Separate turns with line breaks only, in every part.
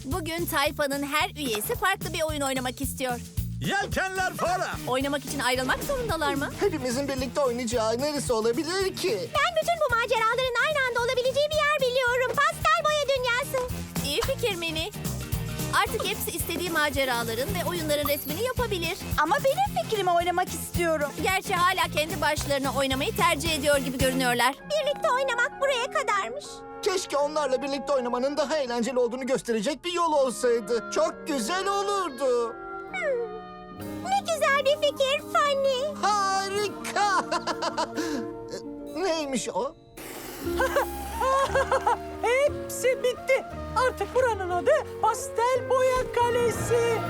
Bugün tayfanın her üyesi farklı bir oyun oynamak istiyor.
Yelkenler fora.
Oynamak için ayrılmak zorundalar mı?
Hepimizin birlikte oynayacağı neresi olabilir ki?
Ben bütün bu maceraların aynı anda olabileceği bir yer biliyorum. Pastel boya dünyası.
İyi fikir Mini. Artık hepsi istediği maceraların ve oyunların resmini yapabilir.
Ama benim fikrimi oynamak istiyorum.
Gerçi hala kendi başlarına oynamayı tercih ediyor gibi görünüyorlar.
Birlikte oynamak buraya kadarmış.
Keşke onlarla birlikte oynamanın daha eğlenceli olduğunu gösterecek bir yol olsaydı. Çok güzel olurdu.
Ne güzel bir fikir Fanny.
Harika! Neymiş o?
Hepsi bitti. Artık buranın adı Pastel Boya Kalesi.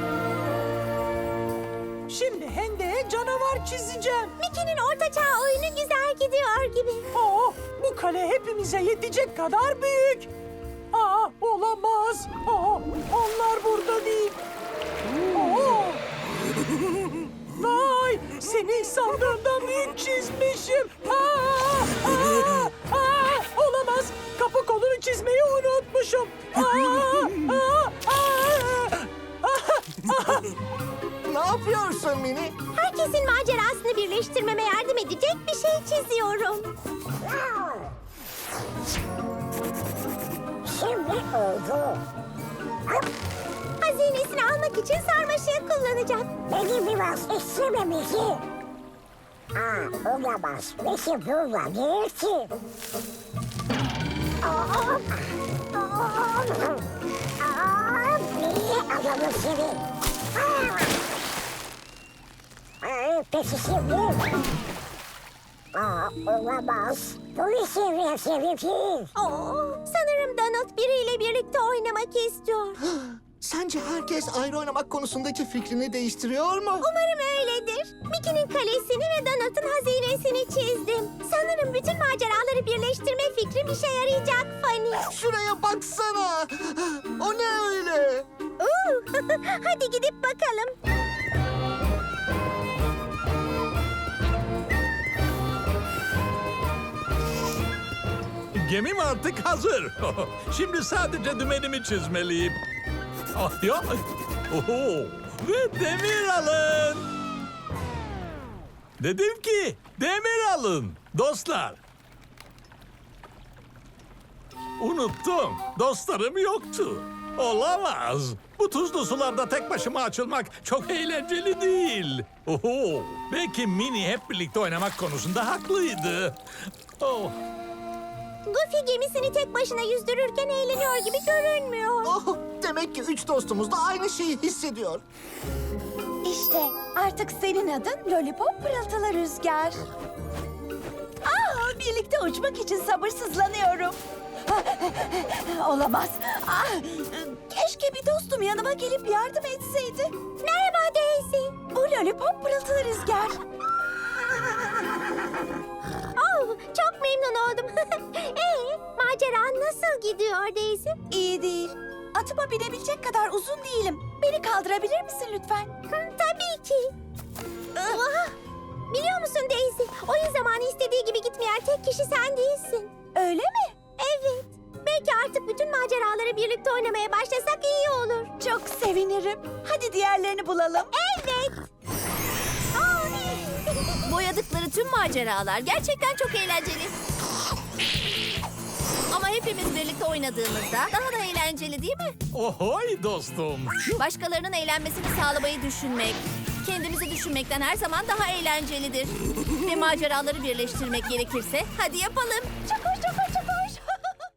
Şimdi hendeğe canavar çizeceğim.
Mickey'nin ortaçağ oyunu güzel gidiyor gibi.
Bu kale hepimize yetecek kadar büyük. Olamaz. Onlar burada değil. Vay, seni sandığımdan büyük çizmişim. Olamaz. Kapı kolunu çizmeyi unutmuşum.
Ne yapıyorsun Mini?
Herkesin macerasını birleştirmeme yardım edecek bir şey çiziyorum. Şimdi oldu. Hazinesini almak için sarmaşığı kullanacak.
Beni biraz istememesi. Olamaz. Nasıl bulabilir ki? Niye adamı seni? Peki şimdi? Olamaz. Bunu seviyor.
Sanırım Donald biriyle birlikte oynamak istiyor.
Sence herkes ayrı oynamak konusundaki fikrini değiştiriyor mu?
Umarım öyledir. Mickey'nin kalesini ve Donald'ın hazinesini çizdim. Sanırım bütün maceraları birleştirme fikrim işe yarayacak Fanny.
Şuraya baksana. O ne öyle?
Hadi gidip bakalım.
Gemim artık hazır. Şimdi sadece dümenimi çizmeliyim. Ya. Oho. Ve demir alın. Dedim ki demir alın dostlar. Unuttum. Dostlarım yoktu. Olamaz. Bu tuzlu sularda tek başıma açılmak çok eğlenceli değil. Oho. Belki Mini hep birlikte oynamak konusunda haklıydı. Oh.
Goofy gemisini tek başına yüzdürürken eğleniyor gibi görünmüyor.
Oh, demek ki üç dostumuz da aynı şeyi hissediyor.
İşte artık senin adın Lollipop Pırıltılı Rüzgar. Birlikte uçmak için sabırsızlanıyorum. Olamaz. Keşke bir dostum yanıma gelip yardım etseydi.
Merhaba Daisy.
Bu Lollipop Pırıltılı Rüzgar.
Çok memnun oldum. Macera nasıl gidiyor Daisy?
İyi değil. Atıma binebilecek kadar uzun değilim. Beni kaldırabilir misin lütfen?
Tabii ki. Biliyor musun Daisy? Oyun zamanı istediği gibi gitmeyen tek kişi sen değilsin.
Öyle mi?
Evet. Belki artık bütün maceraları birlikte oynamaya başlasak iyi olur.
Çok sevinirim. Hadi diğerlerini bulalım.
Evet.
Boyadıkları tüm maceralar gerçekten çok eğlenceli. Ama hepimiz birlikte oynadığımızda daha da eğlenceli değil mi?
Ohoy dostum.
Başkalarının eğlenmesini sağlamayı düşünmek, kendimizi düşünmekten her zaman daha eğlencelidir. Ve maceraları birleştirmek gerekirse hadi yapalım.
Çukur çukur çukur.